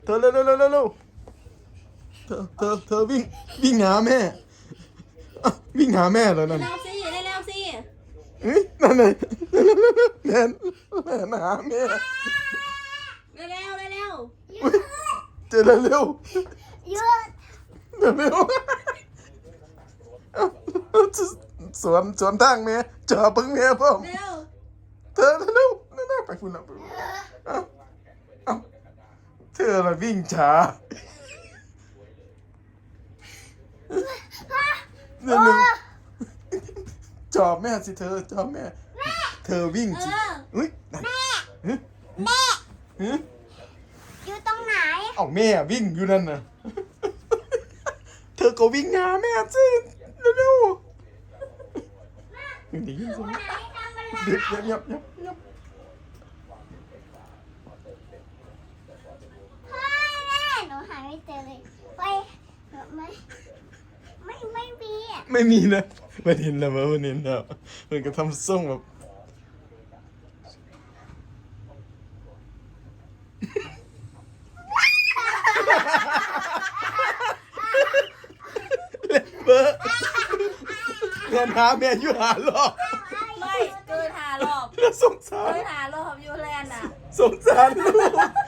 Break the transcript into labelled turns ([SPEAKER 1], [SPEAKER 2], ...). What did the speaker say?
[SPEAKER 1] เธอเร็วเร็วเร็วเร็วเธอวิ่งหาแม่อ่ะวิ่งหาแม่แล้วนั่น
[SPEAKER 2] เร็วสิเร็วสิ
[SPEAKER 1] เฮ้ยนั่นไงแม่หาแม่
[SPEAKER 2] เร็ว
[SPEAKER 1] อุ๊ยเจอแล้วเร็ว
[SPEAKER 3] หยุด
[SPEAKER 1] เร็วสวนทางแม่จ่อพึ่งแม่พ่อม
[SPEAKER 2] เร็ว
[SPEAKER 1] เธอเร็วนั่นไปคุณนะเอ้าเธอละวิ่งช้าเร็วจอบแม่สิเธอจอบแม่เธอวิ่งสิอุ้ยแม่
[SPEAKER 3] อยู่ตรงไหน
[SPEAKER 1] เอาแม่วิ่งอยู่นั่นน่ะเธอก็วิ่งหาแม่สิเร็วๆได้ยินเสียง
[SPEAKER 3] ไหนทำอะไร
[SPEAKER 1] เดี๋ยว
[SPEAKER 3] พ่อแม่หนูหาไม่เจอเลยไปไม่มีอ่ะ
[SPEAKER 1] ไม่มีนะมันเห็นแล้วมันเห็นแล้วมันก็ทำส่งแบบเบอร์เงินหาแม่อยู่หารอบ
[SPEAKER 2] ไม่เกินหารอบ
[SPEAKER 1] แล้วสงสาร
[SPEAKER 2] เกินหารอบอยู่แลนด์น่ะ
[SPEAKER 1] สงสารลูก